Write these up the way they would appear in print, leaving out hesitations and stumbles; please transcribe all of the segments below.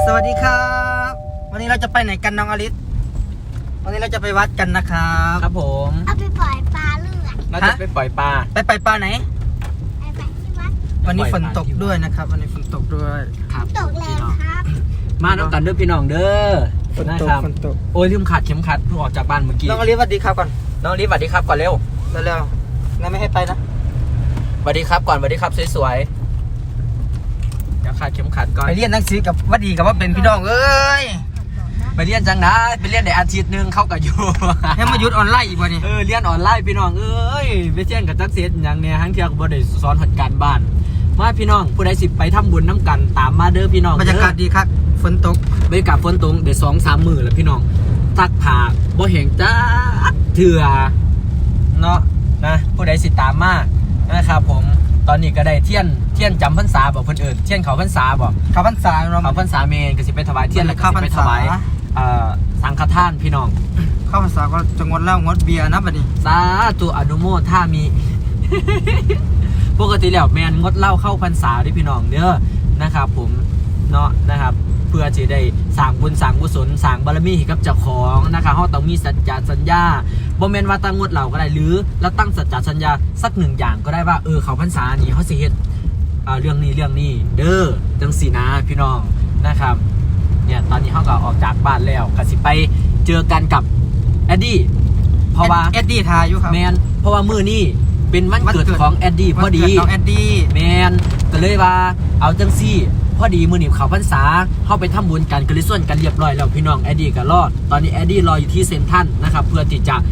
สวัสดีครับวันนี้เราจะไปไหนกันน้องอลิสวันนี้เราจะไปวัดกันนะครับครับผมเอาไปปล่อยปลาเลือดเราจะไปปล่อยปลาไปปลาไหนไปที่วัดวันนี้ฝนตกด้วยนะครับวันนี้ฝนตกด้วยครับตกแรงครับมาน้องกันเด้อพี่น้องเด้อฝนตกฝนตกโอ้ยลืมขัดเข็มขัดเพิ่งออกจากบ้านเมื่อกี้น้องอลิสสวัสดีครับก่อนน้องรีบสวัสดีครับก่อนเร็วเร็วๆงั้นไม่ให้ไปนะสวัสดีครับก่อนสวัสดีครับสวยๆเดี๋ยวขัดเข็มขัดก่อนไปเรียนหนังสือกับวัดดีกับว่าเป็นพี่น้องเอ้ยไปเรียนจังนะไปเรียนได้อาทิตย์นึงเข้ากับอยู่ให้มาหยุดออนไลน์อีกวันนี้เรียนออนไลน์พี่น้องเอ้ยไปเรียนกับจักเสียอย่างเนี้ยทั้งเที่ยวบ่ได้สอนหัดการบ้านมาพี่น้องผู้ใดสิไปทำบุญน้ำกันตามมาเด้อพี่น้องบรรยากาศดีครับฝนตกบรรยากาศฝนตกเดี๋ยว2-3 มื้อแล้วพี่น้องซักผ้าบ่แห้งจ้าเถื่อเนาะนะผู้ใดสิตามมานะครับผมตอนนี้ก็ได้เทียนจำพรรษาบอกเพิ่นเอิ้นเทียนเขาพรรษาบอกข้าวพรรษาเนาะเขาพรรษาเมนก็สิไปถวายเทียนแล้วก็สิไปถวายสังฆทานพี่น้องข้าวพรรษาก็จะงดเหล้างดเบียร์นะบัดนี้สาธุอนุโมทนามี ปกติแล้วแมนงดเหล้าเข้าพรรษาด้วยพี่น้องเด้อนะครับผมเนาะนะครับเพื่อจะได้สร้างบุญสร้างกุศลสร้างบารมีให้กับเจ้าของนะครับเราต้องมีสัจจะสัญญาบ่แม่นว่าตั้งงดเหล้าก็ได้หรือเราตั้งสัจจะสัญญาสักหนึ่งอย่างก็ได้ว่าเขาพรรษานี้เขาสิเฮ็ดเรื่องนี้เด้อจังสีนะพี่น้องนะครับเนี่ยตอนนี้เขาก็ออกจากบ้านแล้วก็สิไปเจอกันกับแอดดี้เพราะว่าแอดดี้ทายอยู่ครับแมนเพราะว่ามื้อนี้เป็นวันเกิดของแอดดี้พอดีน้องแอดดี้แมนก็เลยว่าเอาจังซี่พอดีมื้อนี้เขาพรรษาเข้าไปทำบุญกันก็เลยส่วนกันเรียบร้อยแล้วพี่น้องแอดดี้ก็รอตอนนี้แอดดี้รออยู่ที่เซ็นทรัลนะครับเพื่อที่จะ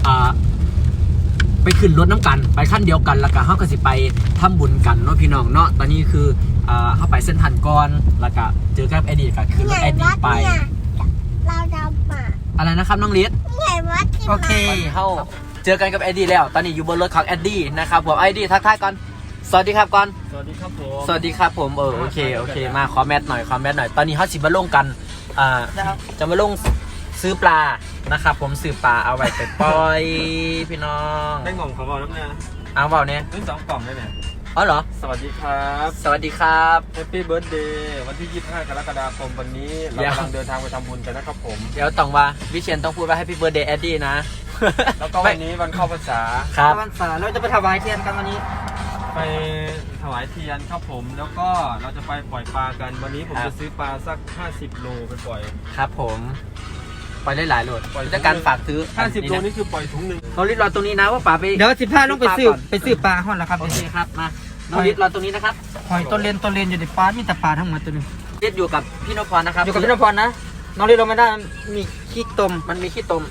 ไปขึ้นรถน้ำกันไปขั้นเดียวกันแล้วก็เขาก็สิไปทำบุญกันเนาะพี่น้องเนาะตอนนี้คือเข้าไปเซ็นทรัลก่อนแล้วก็เจอกับแอดดี้ก็คือรถแอดดี้ไปเราจะมาอะไรนะครับน้องลิศใหญ่วัดที่โอเคเข้าเจอกันกับแอดดี้แล้วตอนนี้อยู่บนรถของแอดดี้นะครับผมแอดดี้ทักทายก่อนสวัสดีครับก่อนสวัสดีครับผมสวัสดีครับผมโอเคมาขอแมทหน่อยตอนนี้เขาสิมาลงกันจะมาลงซื้อปลานะครับผมซื้อปลาเอาไว้ไปปล่อยพี่น้องได้งงของเราแล้วเนี่ยเอาเปล่าเนี่ยซื้อ2 กล่องได้เนี่ยอ๋อเหรอสวัสดีครับสวัสดีครับแฮปปี้เบิร์ธเดย์วันที่25 กรกฎาคมวันนี้เรากำลังเดินทางไปทำบุญกันนะครับผมเดี๋ยวต้องว่าวิเชียนต้องพูดว่า Happy Birthday แอดดี้นะแล้วก็วันนี้วันเข้าพรรษาครับพรรษาเราจะไปถวายเทียนกันวันนี้ไปถวายเทียนครับผมแล้วก็เราจะไปปล่อยปลากันวันนี้ผมจะซื้อปลาสัก50 โลไปปล่อยครับผมปล่อยได้หลายโลจะการฝากซื้อ 50 โลนี่คือปล่อยถุงนึงเราลิดรอตรงนี้นะว่าปลาไปเดี๋ยว15ลงไปซื้อปลาห่อนแล้วครับโอเคครับมาน้องลิดรอตรงนี้นะครับหอยต้นเลนอยู่ในปลามีแต่ปลาทั้งหมดตัวนึงลิดอยู่กับพี่นพพรนะครับอยู่กับพี่นพพรนะน้องลิดเราไม่ได้มีขี้ตมมันมีขี้ตม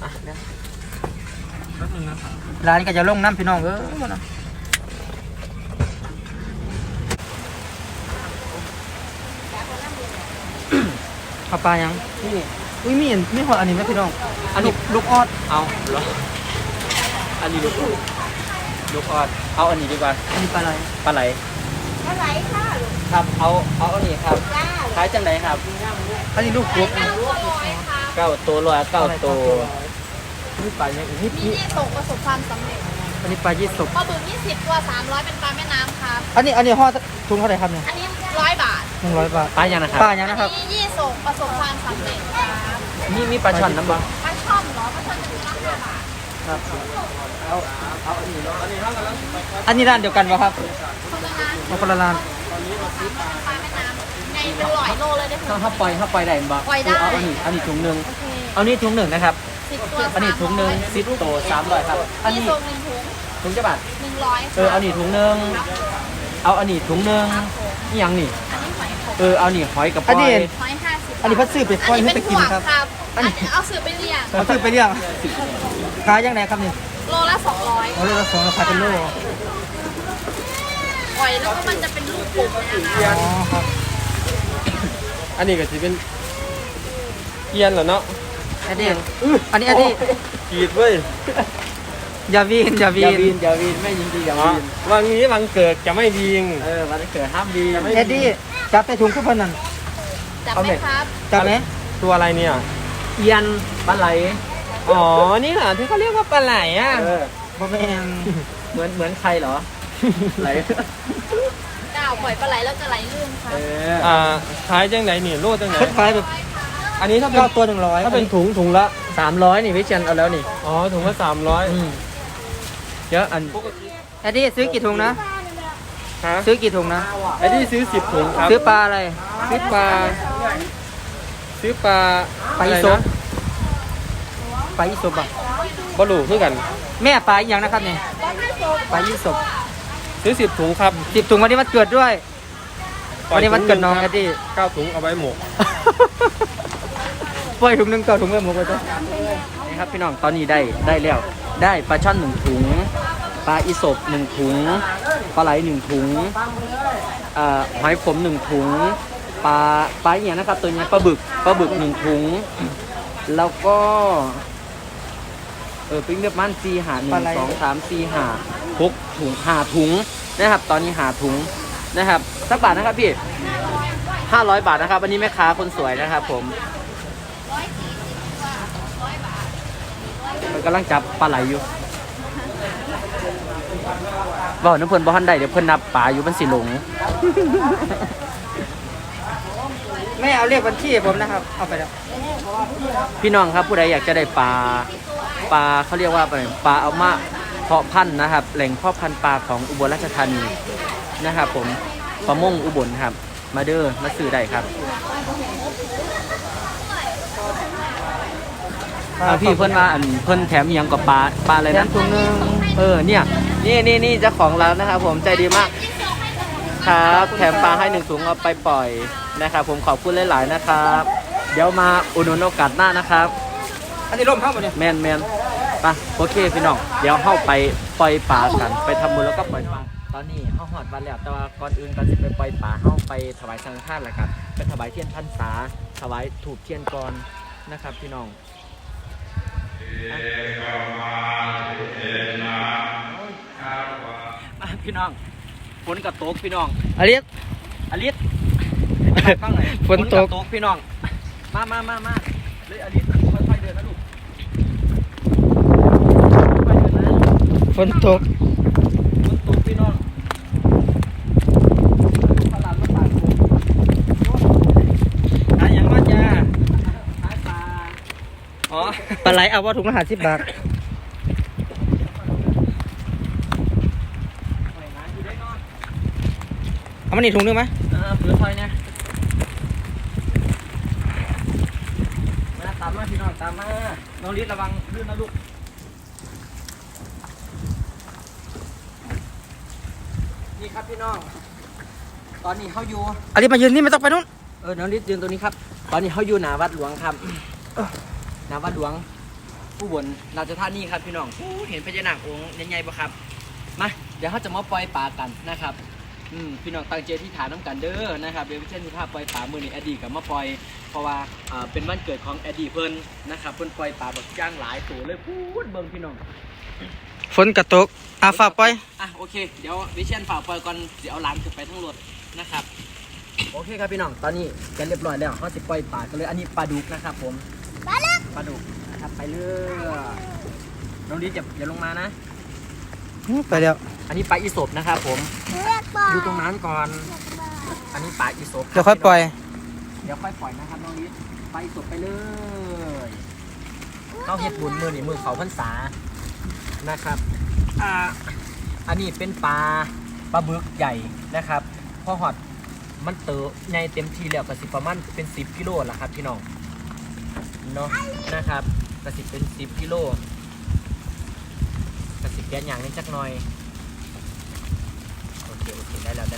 ร้านก็จะลงน้ำพี่น้องนะเอาปลายังนี่อุ้ยมีหอยอันนี้ไหมพี่น้องอันนี้ลูกออดเอาเหรออันนี้ลูกออดเอาอันนี้ดีกว่าอันนี้ปลาไหลปลาไหลค่ะครับเอาอันนี้ครับขายจังไหนครับอันนี้ลูกกบ 9 ตัว109 ตัวนี่ปลาเนี่ยนี่ส่งประสบความสำเร็จอันนี้ปลายี่สกปลาบึก20 ตัว300เป็นปลาแม่น้ำครับอันนี้ห่อทุนเท่าไหร่ครับเนี่ยอันนี้100 บาท 100 บาทปลายังนะครับปลายังนะครับนี่ยี่ส่งประสบความสำเร็จครับมีปลาช่อนน้ำบ้างปลาช่อนเหรอปลาช่อนจะมีราคาบาทครับเอาอันนี้เนาะอันนี้ร้านเดียวกันป่ะครับคนละร้านปลาแม่น้ำในเป็น100 โลเลยได้ไหมถ้าปล่อยได้บ้างปล่อยได้เอาอันนี้ถุงนึงเอานี่ถุงนึงนะครับอันนี้ถุงนึง10 ตัว300ครับอันนี้ถุงจะบาท 100 เอานี่ถุงนึงเอาอันนี้ถุงนึงนี่ยังนี่เอานี่หอยกับปอยหอยอันนี้พัดซื้อไปปอยให้ไปกินครับอันนี้เอาซื้อไปเลี้ยงเอาซื้อไปเลี้ยงขายยังไงครับนี่โลละ200 โลละ200ขายเป็นโลหอยแล้วก็มันจะเป็นลูกกบนะคะอ๋อครับอันนี้ก็จะเป็นเกียนเหรอเนาะอันนี้กีดเว้ยอย่าวีนไม่ยิงดีอย่าวีนวันนี้วันเกิดจะไม่ดีงวันเกิดห้ามดีเอ็ดดี้จับไปถุงขึ้นพนันจับไหมครับจับไหมตัวอะไรเนี่ยเอียนปลาไหลอ๋อนี่เหรอที่เขาเรียกว่าปลาไหลบ่แม่นเหมือนใครเหรอไหลได้ปล่อยปลาไหลแล้วจะไหลลื่นค่ะขายจังไหนนี่โลจังไหนคล้ายๆแบบอันนี้ถ้าเป็นตัว100 ถ้าเป็นถุงละ 300นี่พี่เชียนเอาแล้วนี่อ๋อถุงละ300เยอะอันแอดดี้ซื้อกี่ถุงนะฮะซื้อกี่ถุงนะไอ้ที่ซื้อ10ถุงครับซื้อปลาอะไรซื้อปลาปลาอีอะไรสนะบปลาอีสบอ่ะบลูคือกันแม่ปลาอีกอย่างนะครับเนี่ยปลาอีสบซื้อ10ถุงครับ 10 ถุงวันนี้วันเกิดด้วย วันนี้วันเกิดน้องแอดดี้ 9ถุงเอาไว้หมกปล่อยถุงหนึงต่อถุงเมื่อหมดเลยนี่ครับพี่น้องตอนนี้ได้แล้วได้ปลาช่อน1ถุงปลาอีสบ1ถุงปลาไหล1ถุงหอยขม1ถุงปลาอย่างนะครับตัวนี้ปลาบึก1ถุงแล้วก็ปิ้งเรียบมัน4หา1 2 3 4หา6ถุง5ถุงนะครับตอนนี้5ถุงนะครับสักบาทนะครับพี่500 บาทนะครับวันนี้แม่ค้าคนสวยนะครับผมมันกำลังจับปลาไหลอยู่บอกน้ำเพิ่นบ่ทันได้เดี๋ยวเพิ่นนับปลาอยู่มันสิหลงไม่เอาเลขบัญชีผมนะครับเอาไปแล้วพี่น้องครับผู้ใดอยากจะได้ปลาเขาเรียกว่าปลาเอามาเพาะพันธุ์นะครับแหล่งเพาะพันธุ์ปลาของอุบลราชธานีนะครับผมปลาม่งอุบลครับมาเด้อมาซื้อได้ครับพี่เพิ่นว่าเพิ่นแถมอีหยังกับปลาอะไรนะถุงนึงเนี่ยนี่เจ้าของร้านนะครับผมใจดีมากครับแถมปลาให้1ถุงเอาไปปล่อยนะครับผมขอบคุณหลายๆนะครับเดี๋ยวมาอุดหนุนโอกาสหน้านะครับอันนี้ร่มเข้าหมดเนี่ยแมนไปโอเคพี่น้องเดี๋ยวเข้าไปปล่อยปลากันไปทำบุญแล้วก็ปล่อยปลาตอนนี้เข้าหอดวันแล้วแต่ว่าก่อนอื่นก่อนจะไปปล่อยปลาเข้าไปถวายสังฆทานแหละครับไปถวายเทียนพรรษาถวายถูกเทียนก่อนนะครับพี่น้องพี่น้องฝนกับตกพี่น้องอลิสอลิสฝนตกพี่น้องมาเลยอลิสค่อยๆเดินนะลูกค่อยๆเดินนะฝนตกฝนตกพี่น้องตลาดมาตากฝนหาอย่างมาจ้าขายปลาอ๋อปลาไหลเอาว่าถุงละ50 บาทหอยหาอยู่ได้เนาะเอามานี่ถุงนึงไหมเผื่อคอยเนี่ยมาตามมาพี่น้องตามมาน้องลิศระวังลื่นนะลูกนี่ครับพี่น้องตอนนี้เขาอยู่อลิสมายืนนี่ไม่ต้องไปนู้นน้องลิศยืนตรงนี้ครับตอนนี้เขาอยู่หน้าวัดหลวงครับหน้าวัดหลวงผู้บนราชธานีครับพี่น้องเห็นพญานาคองค์ใหญ่ๆปะครับมาเดี๋ยวเขาจะมาปล่อยปลากันนะครับพี่น้องตั้งใจที่ฐานน้ำกันเด้อนะครับเดี๋ยวเช่นที่ภาพปล่อยปลามือในอดีตกับมาปล่อยเพราะว่าเป็นวันเกิดของอดีตเพิ่นนะครับเพิ่นปล่อยปลาแบบย่างหลายตัวเลยพูดเบิ่งพี่น้องฝนกระตกฝากไปโอเคเดี๋ยววิเชียนฝากปล่อยก่อนเดี๋ยวเอาหลานขึ้นไปทั้งรถนะครับโอเคครับพี่น้องตอนนี้กันเรียบร้อยแล้วเขาสิปล่อยปลากันเลยอันนี้ปลาดุกนะครับผมปลาดุกนะครับไปเลยน้องดิอย่าลงมานะไปแล้วอันนี้ปลาอีสบนะครับผมอยู่ตรงนั้นก่อน อันนี้ปลาอีสบเดี๋ยวค่อยปล่อยเดี๋ยวค่อยปล่อยนะครับน้องดิปลาอีสบไปเลยเข้าเฮ็ดบุญมือนี่มือเขาพรรษานะครับอันนี้เป็นปลาบึกใหญ่นะครับพอหอดมันเต๋อใหญ่เต็มทีแล้วกระสิประมาณเป็น10 กิโลละครับพี่น้องเนาะนะครับกระสิเป็น10 กิโลกระสิแกนอย่างนี้จักหน่อยโอเคได้แล้ว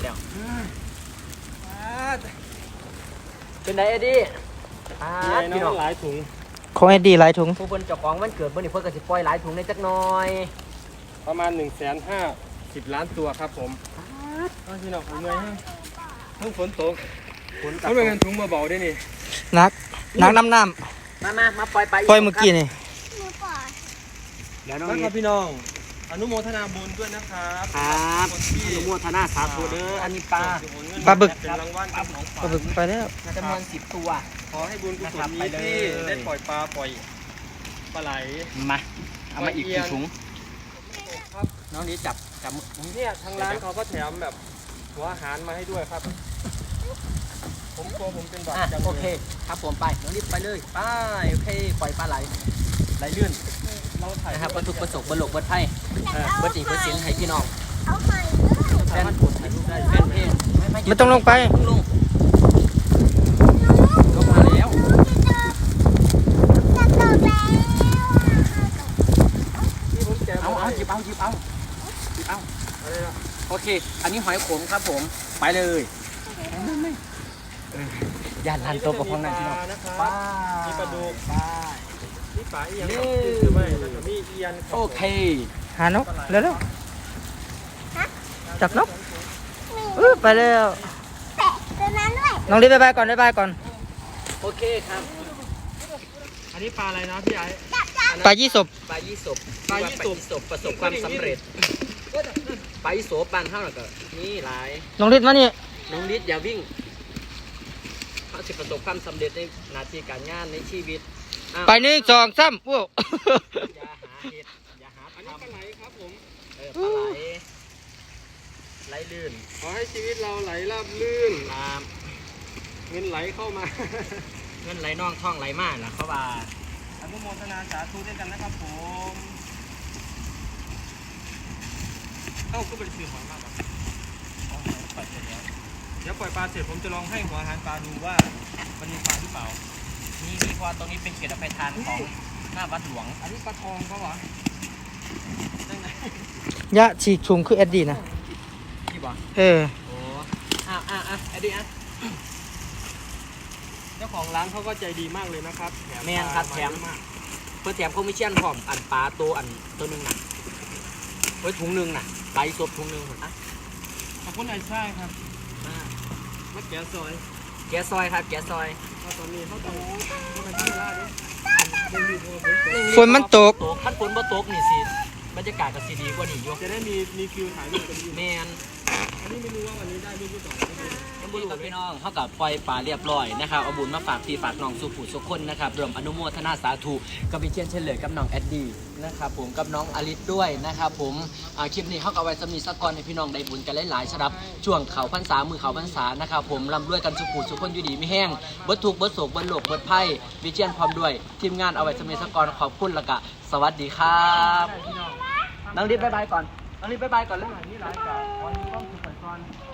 เป็นไงเอ็ดดี้พี่น้องหลายถุงของไอ้ดีหลายถุงผู้เพิ่นเจ้าของวันเกิดเพิ่นนี่เพิ่นกระสิปล่อยหลายถุงในจักหน่อยประมาณ150 ล้านตัวครับผมพี่น้องเหนื่อยฮะเพิ่งฝนตกเขาเป็นเงินถุงเบาๆได้นี่นักน้ำมาปล่อยไปปล่อยเมื่อกี้นี่เดี๋ยวน้องนะนี่ครับพี่น้องอนุโมทนาบุญด้วยนะครับครับอนุโมทนาสาธุเด้ออันนี้ปลาปลาบึกเป็นรางวัลเป็นของปฝาลาก บึกไปแล้วจำนวน10 ตัวขอให้บุญกุศลไปนี้เลยที่ได้ปล่อยปลาปล่อยปลาไหลมาเอามาอีก1 ถุงครับน้องนี้จับเนี่ยทางร้านเขาก็แถมแบบถุงหัวอาหารมาให้ด้วยครับ ผมกลัวผมเป็นหวัดอ่ะจังโอลยเคครับผมไปน้องรีบไปเลยไปโอเคปล่อยปลาไหลลื่นเราถ่ายนะครับบรรทุกประสบบรรลุบรรไพ่บรรจีบรรสินให้พี่น้องเอาใหม่ด้วยแฟนแฟนเพลงไม่ต้องลงไปลงก็มาแล้วจะตกแล้วที่ผมแกะเอามาหยิบเอาอะไรนะโอเค อันนี้หอยขมครับผมไปเลยย่านลันโตกับห้องนั้นพี่น้องนะครับไปมีปลาดุกไปนี่ปลาอีหยังครับหรือไม่แล้วก็มีเอียนครับโอเคหานกเร็วๆจับนกไปเร็วแตะตัวนั้นด้วยน้องรีบบ๊ายบายก่อนบ๊ายบายก่อนโอเคครับอันนี้ปลาอะไรนะพี่ไอ้ปลายี่สบปลายี่สบปลายี่สบประสบความสำเร็จปลายี่สบปานเท่าไหร่ก็นี่หลายน้องรีบมานี่น้องลิศอย่าวิ่งเขาจะประสบความสำเร็จในหน้าที่การงานในชีวิตอ้าวไป1 2 3ว้าวอย่าหาเหตุอย่าหาอันนี้ปลาไหลครับผมปลาไหลลื่นขอให้ชีวิตเราไหลราบลื่นตามเงินไหลเข้ามาเงินไหลน่องท่องไหลมากนะเขาว่าอนุโมทนาสาธุด้วยกันนะครับผมเอ้าก็เป็นสื่อหอยมากครับเดี๋ยวปล่อยปลาเสร็จผมจะลองให้หัวอาหารปลาดูว่ามันมีปลาหรือเปล่านี่มีพอตรงนี้เป็นเขตอภัยทานของหน้าวัดหลวงอันนี้ปลาทองเขาเหรอได้ไงยะฉีกชุมคือแอดดี้นะที่บอกเออโอ้ไอ้ดิอ่ะเจ้าของร้านเขาก็ใจดีมากเลยนะครับแถมแม่นครับปลาาแถมเยอะากเพื่อแถมคอมมิชชั่นพร้อมอันปลาตัวตัวหนึงน่ะไว้ถุงหนึงน่ะใบซบถุงหนึงอ่ะขอบคุณไอ้ชายครับมาแกะซอยแกะซอยครับแกะซอยเพราะตอนนี้เขาต้องเขาเป็นที่ร้านเนี่ยยังอยู่ตัวผมฝนมันตกตกขั้นฝนบ่ตกนี่สิบรรยากาศก็สิดีกว่านี่อยู่จะได้มีคิวถ่ายรูปกันอยู่แมนอันนี้ไม่รู้ว่าวันนี้ได้รูปหรือเปล่าไม่รู้นี่ครับพี่น้องเท่ากับปล่อยปลาเรียบร้อยนะครับเอาบุญมาฝากพี่ฝากน้องสุขุสุขคนนะครับรวมอนุโมทนาสาธุกับพี่เชียนเฉลยกับน้องแอดดี้นะครับผมกับน้องอลิสด้วยนะครับผมคลิปนี้เขาเอาไว้สมีสักก่อนให้พี่น้องได้บุญกันหลายๆสำหรับช่วงเขาพรรษามือเขาพรรษานะครับผมร่ำรวยกันสุขุสุขคนอยู่ดีไม่แห้งเบิดทุกข์เบิดโศกเบิดโลกเบิดไพ่พี่เชียนพร้อมด้วยทีมงานเอาไว้สมีสักก่อนขอบคุณและกะสวัสดีครับน้องลิสบ๊ายบายก่อนน้องลิสบ๊ายบายก่อนเลยนี่ร้านกาวันนี้ต้องสุขสันต์